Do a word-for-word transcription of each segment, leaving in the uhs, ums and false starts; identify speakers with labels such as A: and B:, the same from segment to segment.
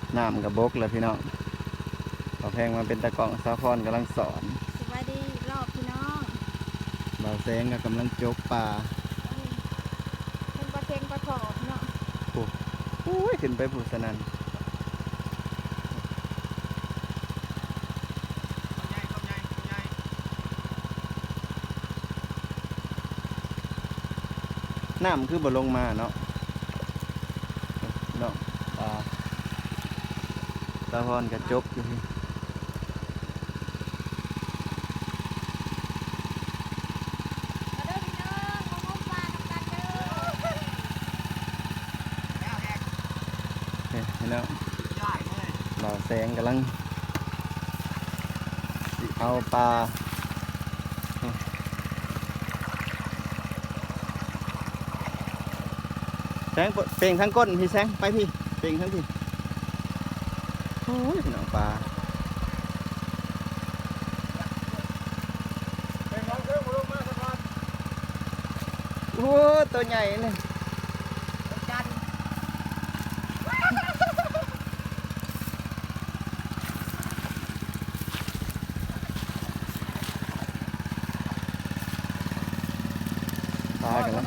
A: น้ำกับบกแล้วพี่น้องต่อแพงมาเป็นตะกล่องซาฟอนกำลังสอน
B: สวัสดีอีกรอบพี่น้อง
A: บ่าวแสงก็กำลังจกปลา
B: เป็นปลาเค็งปลาถอบเนาะ
A: โอ้โหขึ้นไปผูสนันน้ำคือบ่ลงมาเนาะเนาะปลาซาฟอนกับจกอยู่พี่แล้วบ่าวแสงกำลังเอาปลาแสงเป่งทั้งก้นพี่แสงไปพี่เป่งทั้งพี่โอ้ยพี่น้องปลาโอ้ตัวใหญ่เลยปลากันแล้ว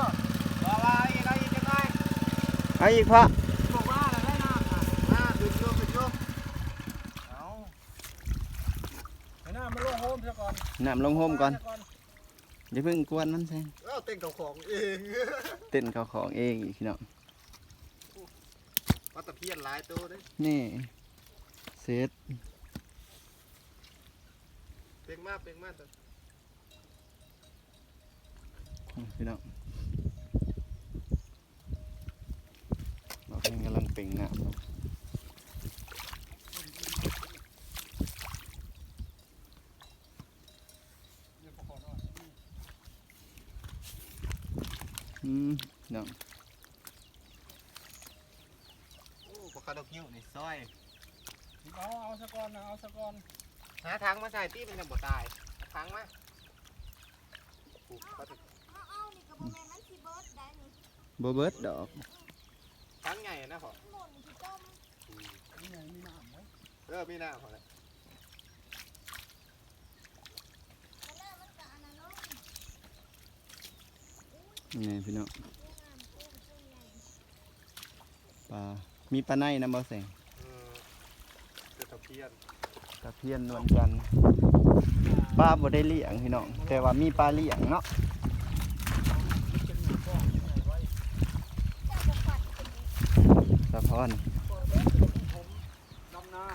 A: ไอ้อีกพระน้ำลงโฮมก่อนอย่าเพิ่งกวนมันแซง
C: เต้นกับของเอง
A: เต้นเขาของเองอีกพี่น้อง
C: ปลาตะเพียนหลายตัวเลย
A: นี่เซต
C: เป่งมากเป่งมากตัว
A: พี่น้องเราเองกำลังเป่งน้ำอืมน้อง
C: โอ้ปลาคาร์ดคิวนี่ซอย
D: เอาเอาสะกอนนะเอาสะกอน
C: หาทางมาใส่ที่มันจะบ่ตายทางมา
A: โบเบิร์ดดอก
C: ทางใหญ่นะพ่อ
D: นี่ไงมีน้ำไหม
C: เออมีน้ำพ่อเลย
A: นี่พี่น้องปลามีปลาในนะบ่แสง
C: ตะเพียน
A: ตะเพียนนวลจันทร์ปลาบ่ได้เลี้ยงพี่น้องแต่ว่ามีปลาเลี้ยงเนาะสะพอน
D: ดำนา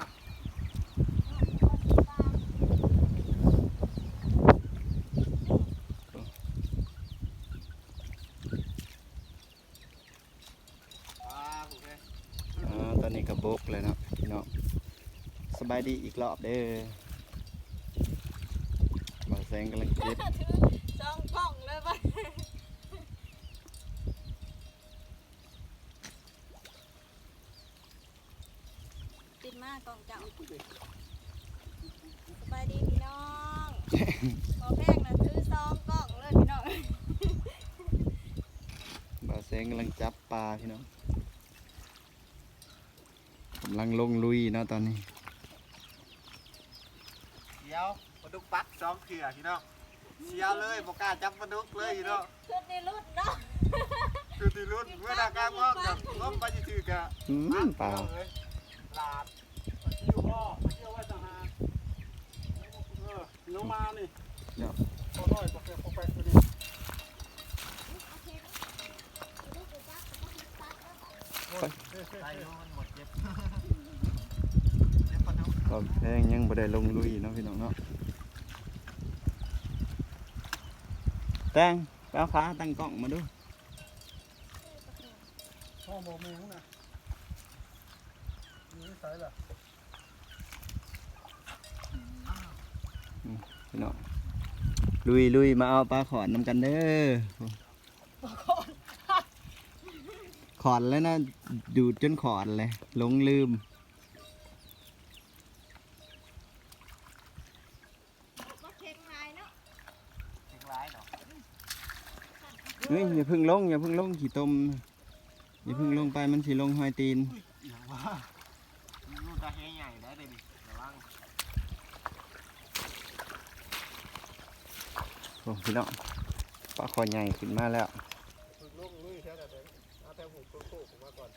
A: ตอนนี้ก็บกเลยเนาะพี่น้องสบายดีอีกรอบเด้อบ่าวแสงกำลังเก็บ
B: สองกล่องเลยป่ะติดมากกล่องจังสบายดีพี่น้องพอแพงนะซื้อสองกล่องเลยพี่น้อง
A: บ่าวแสงกำลังจับปลาพี่น้องกำลังลงลุยเนาะตอนนี้
C: เดี๋ยวปลาดุกปักสองเขื่อพี่น้องเชียวเลยบอกกล้าจับปลาดุกเลยพี่น้อง
B: ชุดในรุ่นเนาะ
C: ชุดในรุ่นเมื่อนาการมอบกับล้มไปจืดๆกะ
A: อืมปลา
D: หลาดเที่ยวพ่อเที่ยวไว้ต่างหากเออน้องมานี่
A: เนาะ
D: พอน้อยบอกแกพอไปตัวนี้
C: ไปนอนหมดเจ็บ
A: ก็แพงยังบ่ได้ลงลุยเนาะพี่น้องเนาะแตงแป๊วฟ้าตั้งกล้องมาดู
D: พ่อบอกแมงนะนี่ใส่ละ
A: พี่น้องลุยลุยมาเอาปลาขอนน้ำกันเด้อขอนแล้วนะดูดจนขอนเลยหลงลืมเฮ้ยอย่าพึ่งลงอย่าพึ่งลงขี่ต้มอย่าพึ่งลงไปมันสิลงหอยตีน
C: ปลาแห้ใหญ่ได้เลยดิระวัง
A: โอ้พี่น้องปลาคอใหญ่ขึ้นมาแล้ว
C: ฝึกลูกลุยแค่แต่เดินเอาแต่หูโค้งๆผมมาก่อน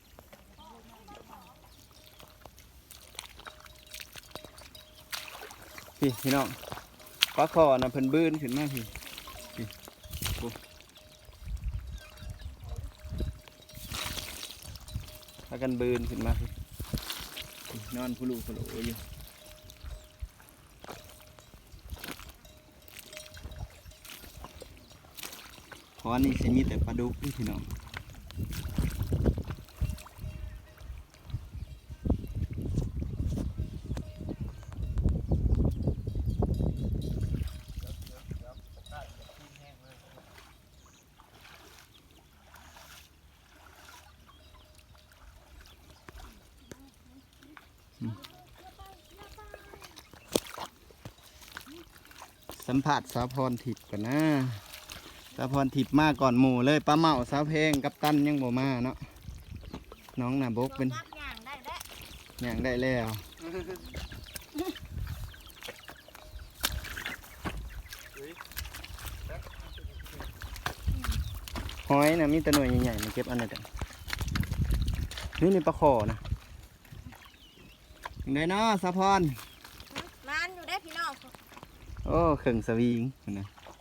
A: พี่พี่น้องปลาคอนะเพิ่นบื้นขึ้นมาพี่พี่โอ้พากันบื้นขึ้นมาพี่พี่นอนผู้ลูกผู้โหลอยู่เพราะอันนี้สิมีแต่ปลาดุกนี่พี่น้องสัมผัสสาวพรทิพย์ก่อนนะสาวพรทิพย์มาก่อนหมู่เลยป้าเมาสาวเพลงกับตันยังบ่มาเนาะน้องน่ะบกเป็น
B: จับย่างได้แล้ว
A: อย่างได้แล้วหอยนะมีแต่หน่วยใหญ่ๆมาเก็บอันนั้นกันนี่นี่ปลาขอนะยังไงเนาะสาวพร
B: มันอยู่ได้พี่น้อง
A: โอ้เข่งสวิงนะ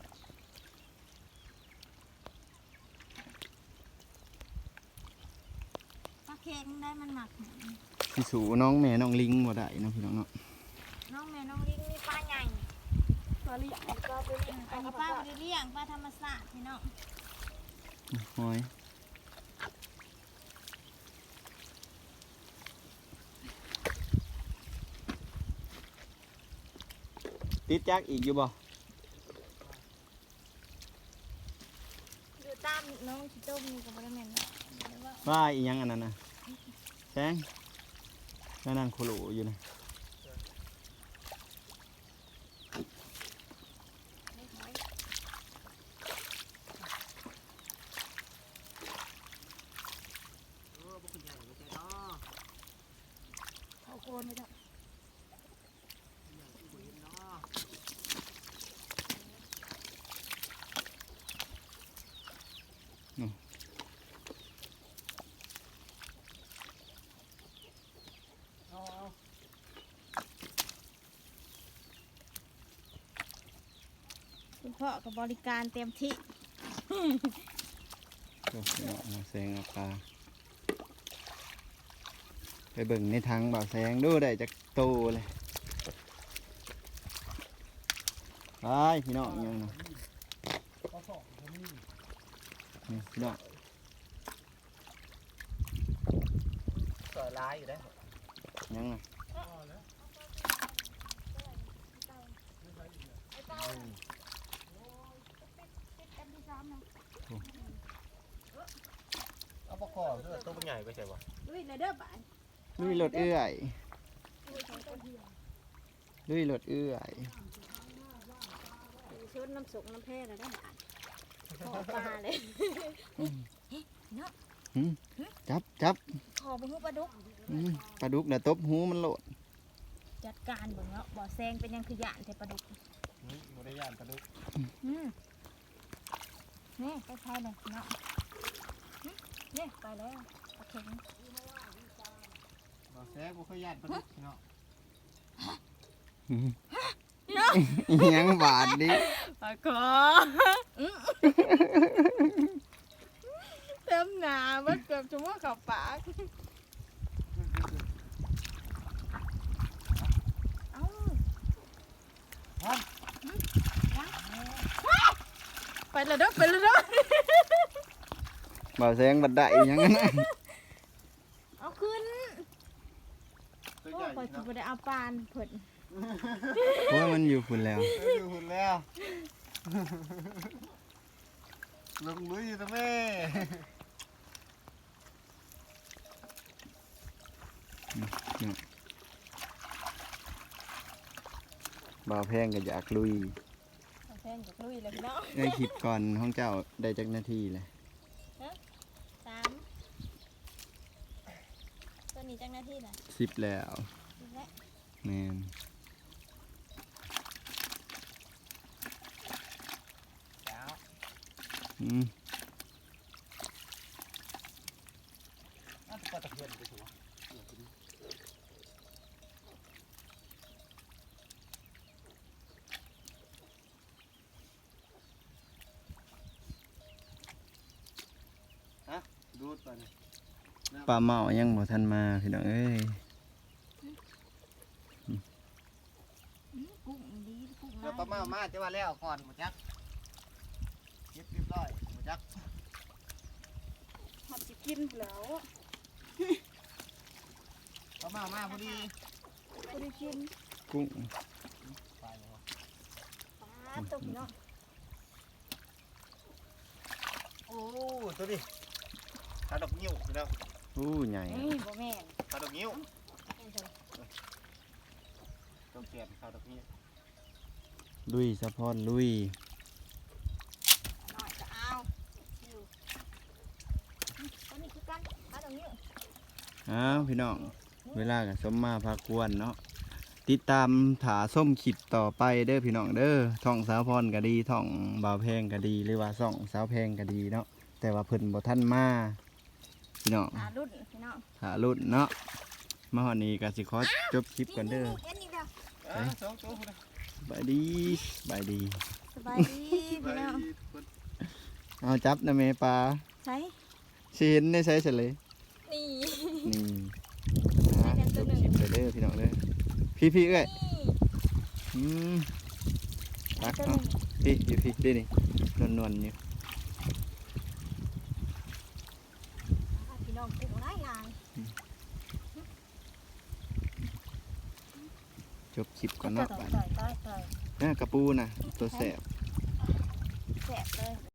B: ปลาเค็งได้มันหมัก
A: พี่สูน้องแม่น้องลิงบ่ได้เนาะพี่น้องเนาะ
B: น้องแม่น้องลิงนี่ปลาใหญ่ปลาเลี้ยงปลาไปเลี้ยงอันนี้ปลาไปเลี้ยงปลาธรรมชาติพี่น้อง
A: หอยติดจักอีกอยู่บ่
B: อยู่ตามน้องชิโต้มีกับบริเวณเนาะเดี๋ยวว่า
A: ว่าอีหยังอันนั้นนะแสงนั่นนั่งโคโลอยู่นะ
B: ไม่หอยเอาโคนไปเถอะ คุณพ่อกับบริการเต็มที่
A: โอ้พี่น้องเอาแสงเอาปลาไปเบิ่งในทางบ่าวแสงดูได้จากโตเลยไปพี่น้องอิหยังนะนี่พี่น้อง
C: สวยร้ายอยู่ได้
A: อิหยังนะ
C: เอาปลาคอเสื้อตัวมันใหญ่ไปใช่ปะ
B: ลุยเลยเด้อบ่าย
A: ลุยรถเอื้อยลุยรถเอื้อย
B: ชุดน้ำสุกน้ำแพร่เลยได้อบ่ายขอปลาเลย
A: หืมจับจับ
B: ขอไปหูปลาดุก
A: อืมปลาดุกน่ะตบหูมันโหลด
B: จัดการเบิ่งเนาะบ่อแซงเป็นยังคือหยานแต่ปลาดุก
C: นี่โมได้ย่านปลาดุก
B: อืมนี่ไปใช้เลยเนาะหึนี่ไปแล้วโอเค
C: บ่แซ่บบ่ค่อยย่านปลาดุกเนาะ
A: อืมอิหยังบาดดิ
B: ปลาคอเต็มหนาเมื่อเกือบจะว่าเข้าปากเอ้าไปเลยเด้อไปเลยเด้อ
A: บ่าวแสงบัดได้อิหยังนั้นนะ
B: เอาขึ้น
C: ตัว
B: โอ้
C: ใหญ่
B: ปล่อย
C: เนาะ
B: จะได้เอาปานเพิ่น
A: เพราะว่ามันอยู่ฝุ่นแล้ว
C: เอออยู่หุ่นแล้วลงลุยอยู่นะแม่
A: บ่าวแพงก็อยากลุย
B: แพงจากลุยเลยพี่น้อง
A: ในคลิปก่อนห้องเจ้าได้จักนาทีเลย
B: สามตัวนี่จังหน้าที่น่ะ
A: สิบแล้ว
B: นี่แหละ
A: แมน
C: แล้ว
A: อืม
D: น่าจะปลาตะเพียนไปถูก
C: ดูดไปนี่
A: ปลาเมายังบ่ทันมาพี่น้องเอ้ย
B: อื้อกุ้งดีกุ้ง
C: เดี๋ยวปลาเมามาจะว่าแล้วก่อนหมดจักเก็บเรียบร้อยหมดจัก
B: หัดสิกินแล้ว
C: ปลาเมามาพอดี
B: บ่ได้กิน
A: กุ้ง
C: ไปแล้ว
B: ปลาตุ่มเนาะ
C: โอ้ตัวนี้ขาดอกนิ้วพี่น้อง
A: อู้ใหญ่
B: นี่บ่แม่น
C: ขาดอกนิ้ว
B: แม่นเถอะ
C: ต้องเก็บขาดอกนิ้ว
A: ลุยสะพอนลุย
B: น้อยก็เอาอยู่นี่ตัวนี้คือกันปลาตรงนี้
A: อ้าวพี่น้องเวลากับสมมาพากวนเนาะติดตามถาส้มขิดต่อไปเด้อพี่น้องเด้อท่องสาวพรก็ดีท่องบ่าวแพงก็ดีหรือว่าส่องสาวแพงก็ดีเนาะแต่ว่าเพิ่นบ่ทันมาพี่น้อง
B: หารุ่นพี่น้อง
A: หารุ่นเนาะมาฮอดนี้ก็สิขอจบคลิปก่อนเด้อ
B: นี่ๆๆเอ็นนี่เด้อ
C: อ่ะสองตัวพุ่นน่ะ
A: บายดีบายดี
B: สบายดีพี่น้อง
A: เอาจับนะแม่ปลา
B: ใช้
A: สิเห็นได้ใช้เสร็จเลย
B: นี่
A: นี่นะจบคลิปเลยเด้อพี่น้องเด้อพี่พี่เอ้ย
B: นี่
A: อืมตัก
B: ตัวห
A: เนาะ
B: นึ่ง
A: พี่อยู่พี่ได้นี่นวลๆอยู่
B: พี่น้องกุ้งหลายหลาย
A: จบคลิปก่อน
B: ต่อ
A: เนาะ
B: ต่
A: บัด
B: อยต่อยต่อย
A: น่ากระปูน่ะตัวแสบ
B: แสบเลย